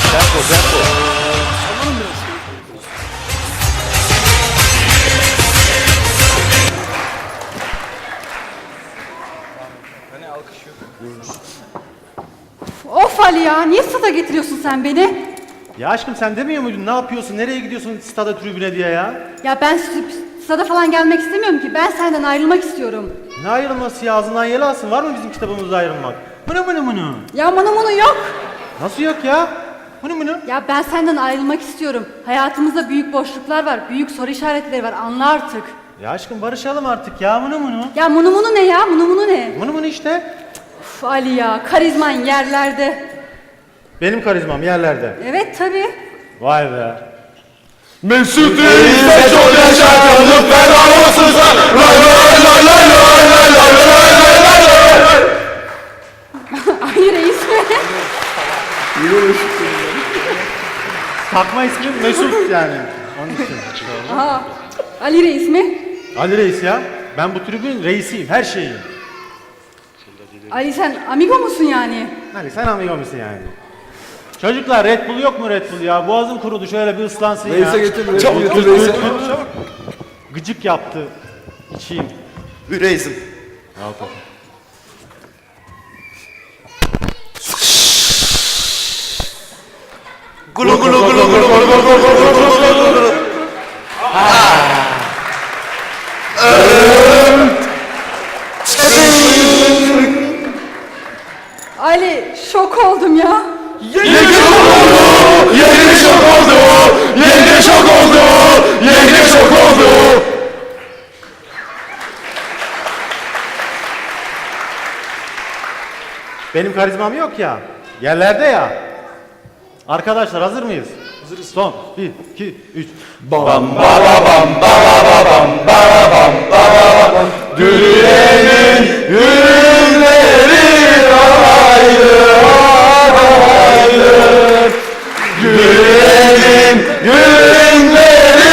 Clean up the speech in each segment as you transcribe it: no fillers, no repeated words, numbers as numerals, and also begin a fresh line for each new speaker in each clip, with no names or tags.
Tempo.
Sallanın biraz.
Hani alkış yok.
Of Ali ya, niye stada getiriyorsun sen beni?
Ya aşkım sen demiyor muydun? Ne yapıyorsun? Nereye gidiyorsun stada tribüne diye ya?
Ya ben stada falan gelmek istemiyorum ki. Ben senden ayrılmak istiyorum.
Ne ayrılması ya? Ağzından yel alsın. Var mı bizim kitabımızda ayrılmak? Mını.
Ya bunu yok.
Nasıl yok ya? Mını.
Ya ben senden ayrılmak istiyorum. Hayatımızda büyük boşluklar var. Büyük soru işaretleri var. Anla artık.
Ya aşkım barışalım artık ya. Mını.
Ya munu ne ya? Munu ne?
Mını işte.
Uf Ali ya, karizman yerlerde.
Benim karizmam yerlerde.
Evet tabii.
Vay be.
Mesut Reis'e çok yaşa kalıp feda olsun sana.
Ali Reis mi?
Takma ismim Mesut yani. Onun için.
Aha, Ali Reis mi?
Ali Reis ya. Ben bu tribün reisiyim. Her şeyim.
Ali sen amigo musun yani?
Hani sen amigo musun yani? Çocuklar Red Bull yok mu Red Bull ya? Boğazım kurudu şöyle bir ıslansın ya.
Reis'e getir. Çabuk getir Reis'e.
Gıcık yaptı. İçeyim.
Reis'im.
Al tabii.
Gulu.
Ali şok oldum ya.
Yenge şok oldu.
Benim karizmam yok ya. Yerlerde ya. Arkadaşlar hazır mıyız? Hazırız. Son 1, 2, 3.
Dünyanın ürünleri alaylı. Dünyanın ürünleri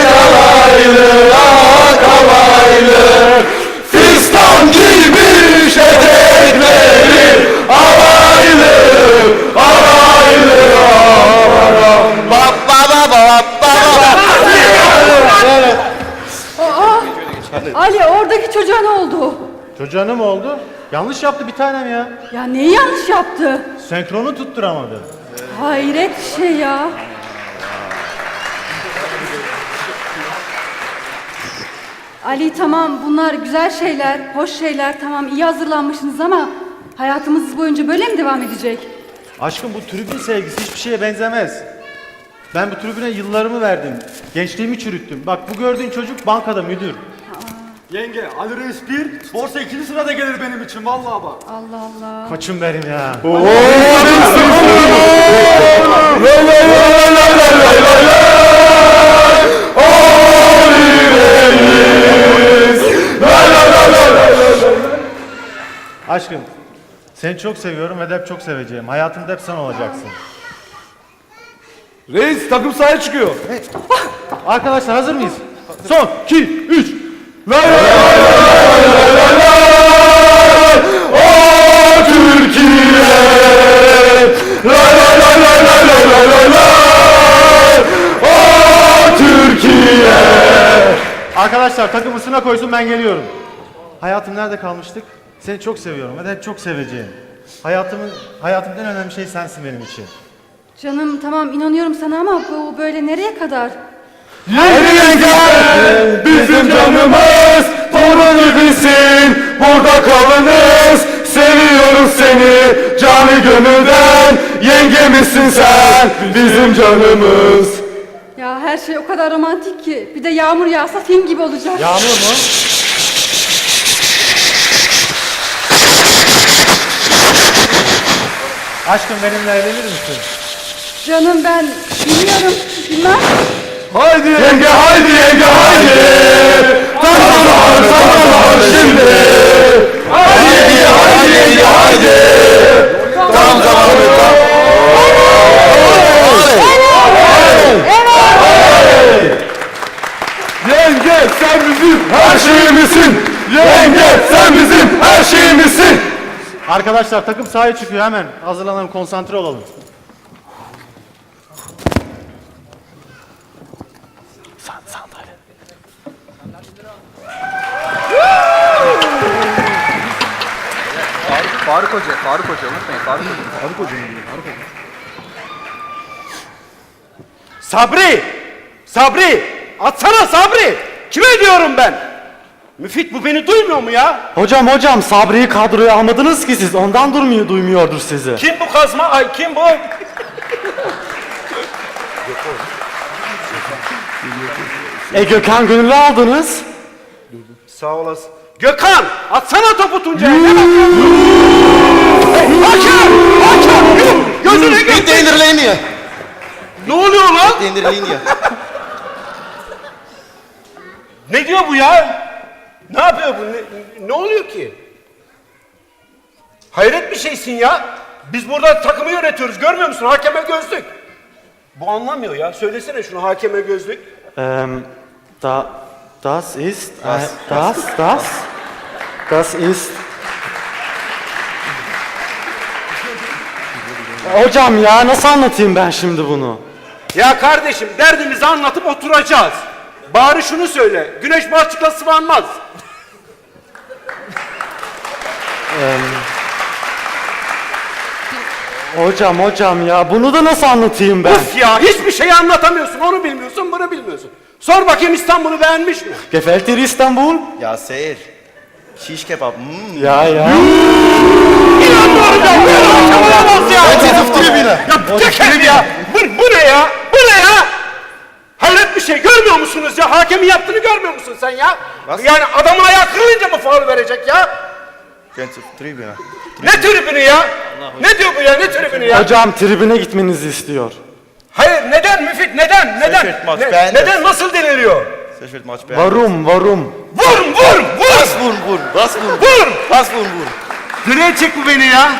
alaylı. Fistan gibi etekleri alaylı.
Ali oradaki çocuğa ne oldu?
Çocuğa ne mi oldu? Yanlış yaptı bir tanem ya.
Ya neyi yanlış yaptı?
Senkronu tutturamadı.
Hayret bir şey ya. Ali tamam bunlar güzel şeyler, hoş şeyler, tamam iyi hazırlanmışsınız ama hayatımız boyunca böyle mi devam edecek?
Aşkım bu tribün sevgisi hiçbir şeye benzemez. Ben bu tribüne yıllarımı verdim. Gençliğimi çürüttüm. Bak bu gördüğün çocuk bankada müdür.
Yenge, Ali Reis 1, borsa 2. sırada gelir benim için vallahi bak.
Allah Allah.
Koçum benim ya. Aşkım seni çok seviyorum ve de hep çok seveceğim. Hayatımda hep sen olacaksın.
Reis takım sahaya çıkıyor.
Arkadaşlar hazır mıyız? Son 2, 3. Arkadaşlar takım ısına koysun ben geliyorum. Hayatım nerede kalmıştık? Seni çok seviyorum ve de hep çok seveceğim. Hayatımın en önemli şey sensin benim için.
Canım tamam inanıyorum sana ama bu böyle nereye kadar?
Bizim canımız torun gibisin. Burada kalınız. Seviyoruz seni canı gönülden. Yengemizsin sen bizim canımız.
Ya her şey o kadar romantik ki bir de yağmur yağsa film gibi olacak.
Yağmur mu? Aşkım benimle evlenir misin?
Canım ben bilmem.
Haydi yenge haydi yenge haydi. Tam zaman şimdi. Haydi yenge haydi. Tam zamanı tam. Yenge sen bizim her şeyimizsin. Yenge sen bizim her şeyimizsin.
Arkadaşlar takım sahaya çıkıyor hemen. Hazırlanalım, konsantre olalım.
Faruk Hoca unutmayın Faruk Hoca.
Sabri! Atsana Sabri! Kime diyorum ben? Müfit bu beni duymuyor mu ya?
Hocam Sabri'yi kadroya almadınız ki siz. Ondan duymuyordur sizi.
Kim bu kazma? Ay kim bu?
Gökhan Gönüllü aldınız.
Sağ olasın. Gökhan! Atsana topu Tuncay'a! Ne bakıyorsun? Hakem! Gözüne
Inte
göster!
in der Linie!
Ne oluyor lan?
In der Linie!
Ne diyor bu ya? Ne yapıyor bu? Ne oluyor ki? Hayret bir şeysin ya. Biz burada takımı yönetiyoruz. Görmüyor musun? Hakeme gözlük. Bu anlamıyor ya. Söylesene şunu hakeme gözlük.
Das ist Hocam ya nasıl anlatayım ben şimdi bunu?
Ya kardeşim derdimizi anlatıp oturacağız. Bari şunu söyle. Güneş balçıkla sıvanmaz.
Hocam ya bunu da nasıl anlatayım ben?
Uf ya hiçbir şeyi anlatamıyorsun. Onu bilmiyorsun, bunu bilmiyorsun. Sor bakayım İstanbul'u beğenmiş mi?
Gefällt dir İstanbul?
Ja, sehr. Shish kebab.
Ya.
İnanmıyorum ya. Böyle hakem olamaz ya.
Jetzt auf Tribüne!
Ya teker ya. Bu ne ya? Bu ne ya? Hayret bir şey. Görmüyor musunuz ya? Hakemin yaptığını görmüyor musun sen ya?
Nasıl?
Yani adamın ayağı kırılınca mı faul verecek ya?
Jetzt auf Tribüne!
Ne tribünü ya? Ne diyor bu ya? Ne tribünü ya?
Hocam tribüne gitmenizi istiyor.
Hayır neden Müfit? Neden?
Şaşırt maç, beğendim.
Neden? Nasıl deniliyor?
Sehr wird Match beenden.
Varum.
Vur!
Was Wurm? Was Wurm?
Vur!
Was Wurm?
Direğe çek bu beni ya.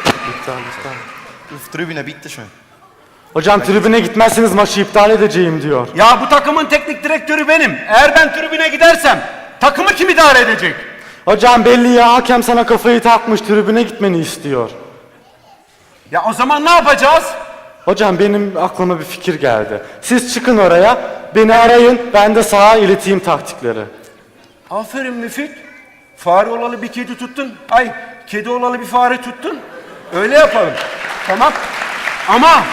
Auf Tribüne, bitteschön.
Hocam tribüne gitmezseniz maçı iptal edeceğim diyor.
Ya bu takımın teknik direktörü benim. Eğer ben tribüne gidersem takımı kim idare edecek?
Hocam belli ya hakem sana kafayı takmış tribüne gitmeni istiyor.
Ya o zaman ne yapacağız?
Hocam benim aklıma bir fikir geldi. Siz çıkın oraya, beni arayın, ben de sağa ileteyim taktikleri.
Aferin Müfit. Fare olalı bir kedi tuttun. Ay kedi olalı bir fare tuttun. Öyle yapalım. Tamam. Ama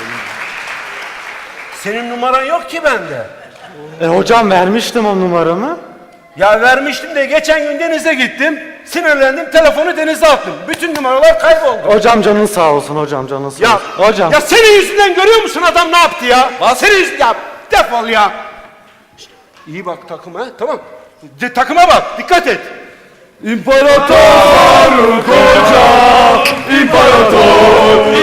senin numaran yok ki bende.
Hocam vermiştim o numaramı.
Ya vermiştim de geçen gün denize gittim. Sinirlendim telefonu denize attım. Bütün numaralar kayboldu.
Hocam canın sağ olsun hocam canın sağ
Ya,
olsun. Hocam.
ya senin yüzünden görüyor musun adam ne yaptı ya? Senin yüzünden ya defol ya. Şşt, İyi bak takıma tamam. Takıma bak dikkat et.
İmparator Faruk Hoca! İmparator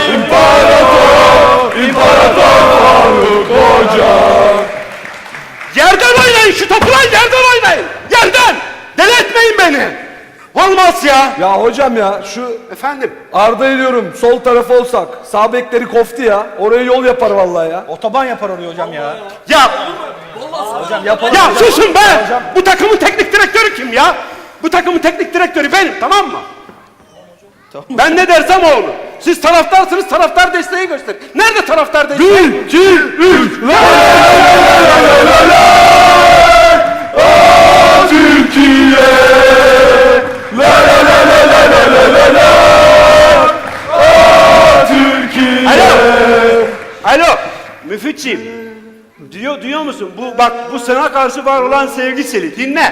Faruk Hoca!
Yerden oynayın şu topu lan yerden oynayın. Yerden. Deli etmeyin beni. Olmaz ya.
Ya hocam ya şu
Efendim.
Arda'yı diyorum sol taraf olsak sağ bekleri koftu ya oraya yol yapar vallahi ya.
Otoban yapar oraya hocam ya.
Ya.
Yapalım.
Ya susun be. Bu takımın teknik direktörü kim ya? Bu takımın teknik direktörü benim tamam mı? Ben ne dersem o olur. Siz taraftarsınız taraftar desteği gösterin. Nerede taraftar desteği?
1, 2, 3, Türkiye! Türkiye!
Alo. Müfitçiğim. Duyuyor musun? Bu sana karşı var olan sevgi seni. Dinle.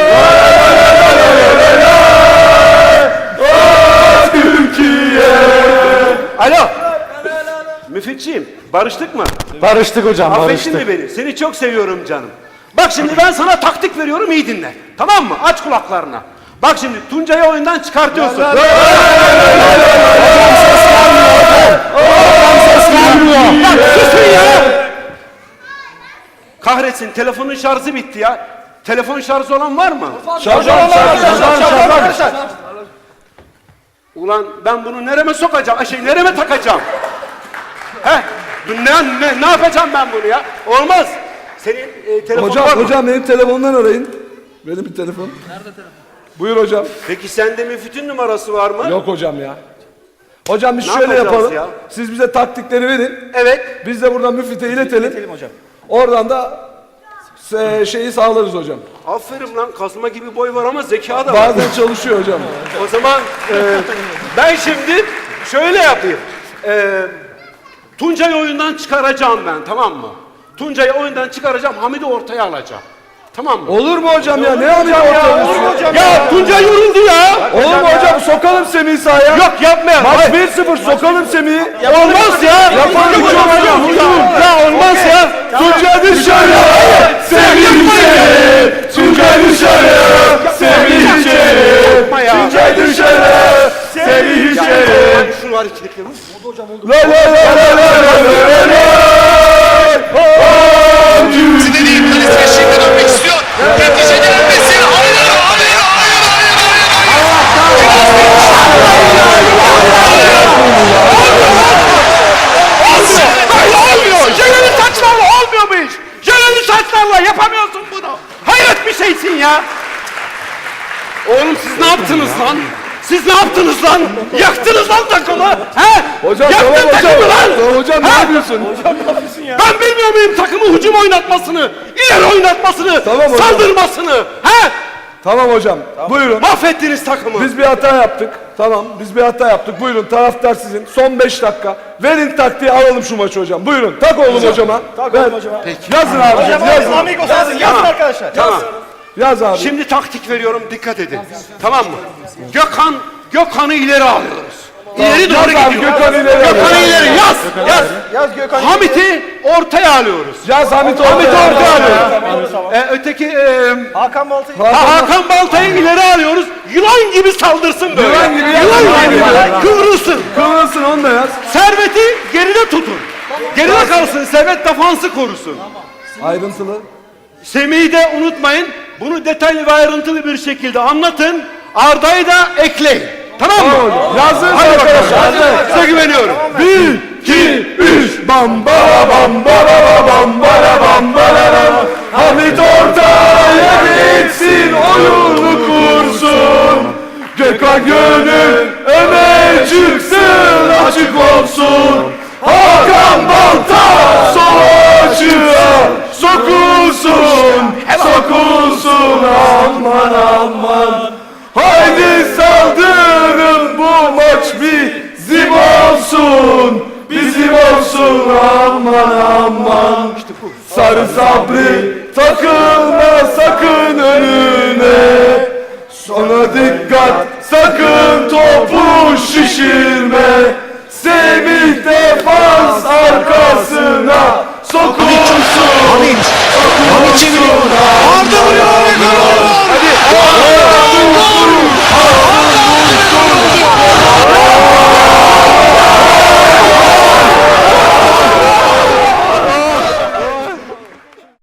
Türkiye!
Alo. Müfitçiğim. Barıştık mı?
Barıştık hocam
Affettin
barıştık.
mi beni? Seni çok seviyorum canım. Bak şimdi ben sana taktik veriyorum iyi dinle. Tamam mı? Aç kulaklarına. Bak şimdi Tuncay'ı oyundan çıkartıyorsun.
Ses gelmiyor.
Bak susun ya. Kahretsin telefonun şarjı bitti ya. Telefon şarjı olan var mı?
Şarj.
Ulan ben bunu nereme sokacağım? Nereme takacağım? Ne yapacağım ben bunu ya? Olmaz. Senin telefonun var mı?
Hocam benim telefondan arayın. Benim bir telefon. Nerede telefon? Buyur hocam.
Peki sende Müfit'in numarası var mı?
Yok hocam ya. Hocam biz
Ne
şöyle
yapacağız
yapalım.
ya?
Siz bize taktikleri verin.
Evet.
Biz de buradan müftüye iletelim.
Hocam.
Oradan da şeyi sağlarız hocam.
Aferin lan, kazma gibi boy var ama zeka da var.
Bazen çalışıyor hocam.
O zaman ben şimdi şöyle yapayım. Tuncay'ı oyundan çıkaracağım ben, tamam mı? Tuncay'ı oyundan çıkaracağım, Hamid'i ortaya alacağım. Tamam mı?
Olur mu hocam ya? Ne yapıyor hocam?
Ya Tuncay yoruldu ya.
Olur mu hocam? Sokalım Semih'i sahaya.
Yok yapmayalım.
Maç
Hayır.
1-0 sokalım Semih'i.
Olmaz ya.
Yapalım hocam.
Ya olmaz ya.
Tuncay dışarı, Semih içeri. Tuncay dışarı, Semih içeri.
Yapma ya.
Tuncay dışarı, Semih içeri.
Şunu hareketlerini.
La la la la la la la.
Zinedine kalesine şimdi dönmek istiyor. Yetişe gelmesin. Hayır, hayır,
Olmuyor. Jeleli saçlarla olmuyor bu iş. Jeleli saçlarla yapamıyorsun bunu. Hayret bir şeysin ya. Oğlum siz ne yaptınız lan? Siz ne yaptınız lan? Yaktınız lan takımı. He?
Hocam
Yaktın
tamam hocam.
takımı lan.
Tamam hocam ne
Ha?
yapıyorsun?
Ben bilmiyor muyum takımı hücum oynatmasını, ileri oynatmasını,
Tamam hocam.
saldırmasını? He?
Tamam hocam. Buyurun.
Mahvettiniz takımı.
Biz bir hata yaptık. Tamam biz bir hata yaptık. Buyurun taraftar sizin. Son 5 dakika. Verin taktiği alalım şu maçı hocam. Buyurun. Tak oğlum hocama. Tak oğlum hocama. Yazın abi. Yazın.
arkadaşlar. Tamam.
Yaz abi.
Şimdi taktik veriyorum, dikkat edin. Tamam mı? Gökhan'ı ileri alıyoruz. İleri doğru
Yaz abi,
gidiyor.
Gökhan'ı ileri
Gökhan'ı
alıyoruz.
ileri yaz. Hamit'i ortaya alıyoruz.
Yaz Hamit
Hamit'i
ortaya.
ortaya alıyoruz. Öteki
Hakan Balta'yı.
Hakan Balta'yı ileri alıyoruz. Yılan gibi saldırsın böyle.
Yılan gibi
Yılan gibi.
yaz.
Kıvrılsın.
Kıvrılsın onu da yaz.
Servet'i geride tutun. Geride kalsın. Servet defansı korusun.
Ayrıntılı.
Semih'i de unutmayın. Bunu detaylı ve ayrıntılı bir şekilde anlatın. Arda'yı da ekleyin. Tamam mı?
Yazın
Hadi
arkadaşlar.
bakalım. Size güveniyorum.
1, 2, 3. Bam bara bam bara bam bara bam bara. Hamit ortaya geçsin, oyunu kursun. Gökhan gönül öne çıksın, açık olsun. Hakan Balta sol açığa sokulsun, sokulsun, aman aman. Haydi saldırın, bu maç bizim olsun, bizim olsun, aman aman. Sarı Sabri takılma sakın önüne. Sonra dikkat, sakın topu şişirme. Semih defans arkasına sokulsun. Hamit çeviriyor.